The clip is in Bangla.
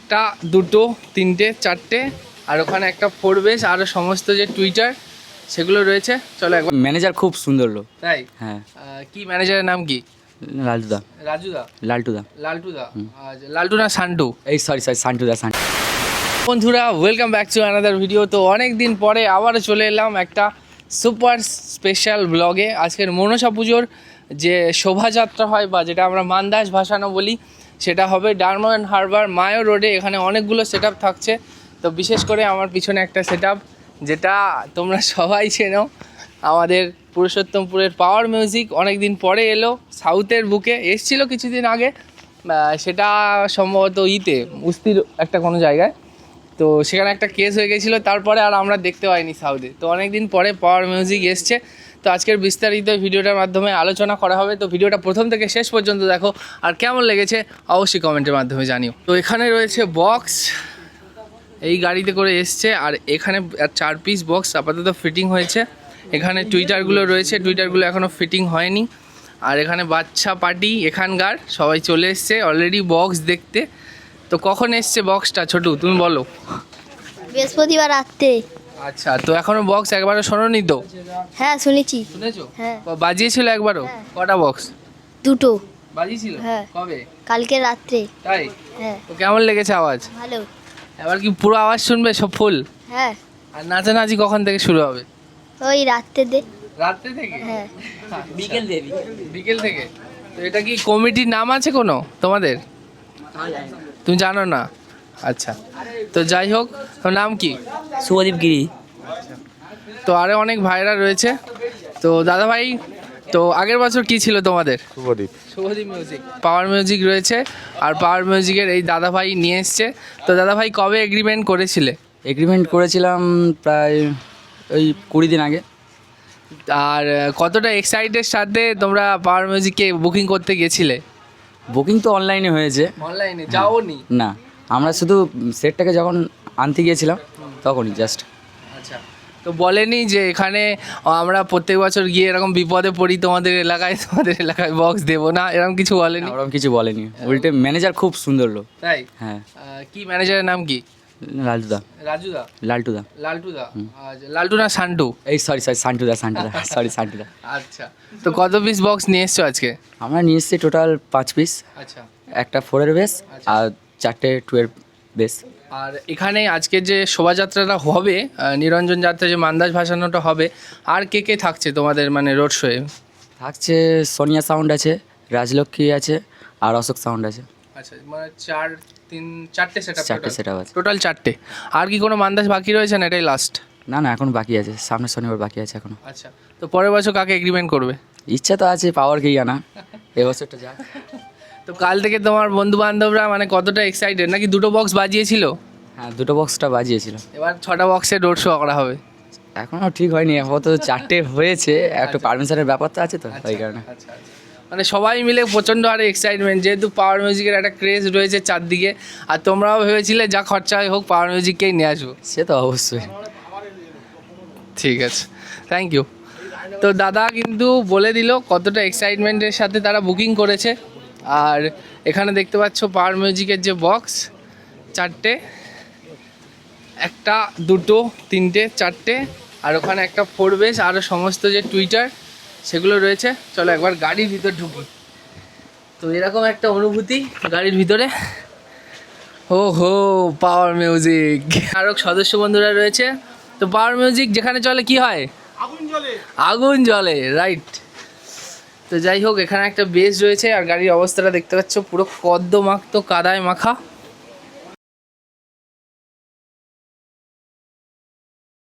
একটা দুটো তিনটে চারটে আর ওখানে একটা ফোর বেস আর সমস্ত যে টুইটার সেগুলো রয়েছে। চলো একবার। ম্যানেজার খুব সুন্দর লোক। তাই? হ্যাঁ। কি ম্যানেজারের নাম কি? লালটুদা। রাজুদা? লালটুদা। লালটুদা? লালটু না সান্টু? এই সরি সান্টুদা। বন্ধুরা welcome back to another video. তো অনেক দিন পরে আবারও চলে এলাম একটা সুপার স্পেশাল ব্লগে। আজকের মনসা পুজোর যে শোভাযাত্রা হয় বা যেটা আমরা মান্দাস ভাসানো বলি, সেটা হবে ডায়মন্ড হারবার মায়ো রোডে। এখানে অনেকগুলো সেট থাকছে। তো বিশেষ করে আমার পিছনে একটা সেট যেটা তোমরা সবাই চেনো, আমাদের পুরুষোত্তমপুরের পাওয়ার মিউজিক অনেক দিন পরে এলো সাউথের বুকে। এসছিল কিছুদিন আগে, সেটা সম্ভবত উস্তির একটা কোনো জায়গায়। তো সেখানে একটা কেস হয়ে গেছিলো, তারপরে আর আমরা দেখতে পাইনি সাউথে। তো অনেক দিন পরে পাওয়ার মিউজিক এসছে। তো আজকের বিস্তারিত ভিডিওটার মাধ্যমে আলোচনা করা হবে। তো ভিডিওটা প্রথম থেকে শেষ পর্যন্ত দেখো, আর কেমন লেগেছে অবশ্যই কমেন্টের মাধ্যমে জানিও। তো এখানে রয়েছে বক্স, এই গাড়িতে করে এসছে। আর এখানে 4 পিস বক্স আপাতত ফিটিং হয়েছে। এখানে টুইটারগুলো রয়েছে, টুইটারগুলো এখনও ফিটিং হয়নি। আর এখানে বাচ্চা পার্টি এখানকার সবাই চলে এসছে অলরেডি বক্স দেখতে। তো কখন এসছে বক্সটা ছোটু, তুমি বলো? বৃহস্পতিবার রাত্রে। আচ্ছা, তো এখনো বক্স একবারও শোনোনি তো? হ্যাঁ শুনেছি। শুনেছো? হ্যাঁ। বাজিয়েছিল একবারও? হ্যাঁ। কটা বক্স দুটো বাজিয়েছিল? হ্যাঁ। কবে? কালকে রাত্রে। তাই? হ্যাঁ। তো কেমন লেগেছে আওয়াজ? ভালো। এবার কি পুরো আওয়াজ শুনবে সব ফুল? হ্যাঁ। আর নাচানাচি কখন থেকে শুরু হবে? ওই রাত্রে দে। রাত্রে থেকে? হ্যাঁ। বিকেল থেকে? তো এটা কি কমিটির নাম আছে কোনো তোমাদের? তুমি জানো না? আচ্ছা, তো যাই হোক, তোর নাম কি? শুভদীপ গিরি। তো আরও অনেক ভাইরা রয়েছে। তো দাদা ভাই, তো আগের বছর কি ছিল তোমাদের? শুভদীপ মিউজিক, পাওয়ার মিউজিক রয়েছে। আর পাওয়ার মিউজিকের এই দাদা ভাই নিয়ে এসছে। তো দাদা ভাই কবে এগ্রিমেন্ট করেছিলে? এগ্রিমেন্ট করেছিলাম প্রায় ওই 20 দিন আগে। আর কতটা এক্সাইটেড সাথে তোমরা পাওয়ার মিউজিককে বুকিং করতে গেছিলে? বুকিং তো অনলাইনে হয়েছে। অনলাইনে যাওনি? না, আমরা শুধু সেটটাকে যখন আনতে গিয়েছিলাম তখনই জাস্ট। আচ্ছা, তো বলেনি যে এখানে আমরা প্রত্যেক বছর গিয়ে এরকম বিপদে পড়ি, তোমাদের এলাকায় বক্স দেবো না, এরকম কিছু বলেনি? ওরকম কিছু বলেনি, উল্টে ম্যানেজার খুব সুন্দর লোক। তাই? হ্যাঁ। কি ম্যানেজারের নাম কি? লালটুদা। রাজুদা? লালটুদা। লালটুদা? লালটু না সান্টু? এই সরি সান্টুদা সান্টুদা। আচ্ছা, তো কত পিস বক্স নিয়ে এসছো আজকে? আমরা নিয়ে এসেছি টোটাল 5 পিস। আচ্ছা। একটা 4-এর বেস আর 4টে 2-এর বেস। আর এখানে আজকে যে শোভাযাত্রাটা হবে, নিরঞ্জন যাত্রা যে মান্দাস ভাসানোটা হবে, আর কে কে থাকছে তোমাদের মানে রোড শোয়ে? থাকছে সোনিয়া সাউন্ড আছে, রাজলক্ষ্মী আছে আর অশোক সাউন্ড আছে। আচ্ছা, মানে চারটে সেট আছে। টোটাল 4টে। আর কি কোনো মান্দাস বাকি রয়েছে না এটাই লাস্ট? না এখন বাকি আছে, সামনের শনিবার বাকি আছে এখনো। আচ্ছা, তো পরের বছর কাকে এগ্রিমেন্ট করবে? ইচ্ছা তো আছে পাওয়ারকেই আনা, এবছরটা যা। তো কাল থেকে তোমার বন্ধু বান্ধবরা মানে কতটা এক্সাইটেড? নাকি দুটো বক্স বাজিয়েছিল? হ্যাঁ, 2টো বক্সটা বাজিয়েছিল। এবার 6টা বক্সের রোড শো করা হবে। এখনও ঠিক হয়নি, এখন তো 4টে হয়েছে, একটু পারমিশনের ব্যাপার তো আছে তো ওই কারণে। আচ্ছা, মানে সবাই মিলে প্রচণ্ড হারে এক্সাইটমেন্ট, যেহেতু পাওয়ার মিউজিকের একটা ক্রেজ রয়েছে চারদিকে। আর তোমরাও ভেবেছিলে যা খরচা হয় হোক পাওয়ার মিউজিককেই নিয়ে আসবো। সে তো অবশ্যই। ঠিক আছে, থ্যাংক ইউ। তো দাদা কিন্তু বলে দিল কতটা এক্সাইটমেন্টের সাথে তারা বুকিং করেছে। আর এখানে দেখতে পাচ্ছ পাওয়ার মিউজিকের যে বক্স, 4টে, একটা দুটো তিনটে চারটে, আর ওখানে একটা ফোর বেস আর সমস্ত যে টুইটার সেগুলো রয়েছে। চলো একবার গাড়ির ভিতর ঢুকি। তো এরকম একটা অনুভূতি গাড়ির ভিতরে। ও হো, পাওয়ার মিউজিক। আরও সদস্য বন্ধুরা রয়েছে। তো পাওয়ার মিউজিক যেখানে চলে কি হয়? আগুন জ্বলে, রাইট। তো যাই হোক, এখানে একটা বেস রয়েছে। আর গাড়ির অবস্থাটা দেখতে পাচ্ছ পুরো কদ্দমাক্ত কাদায় মাখা।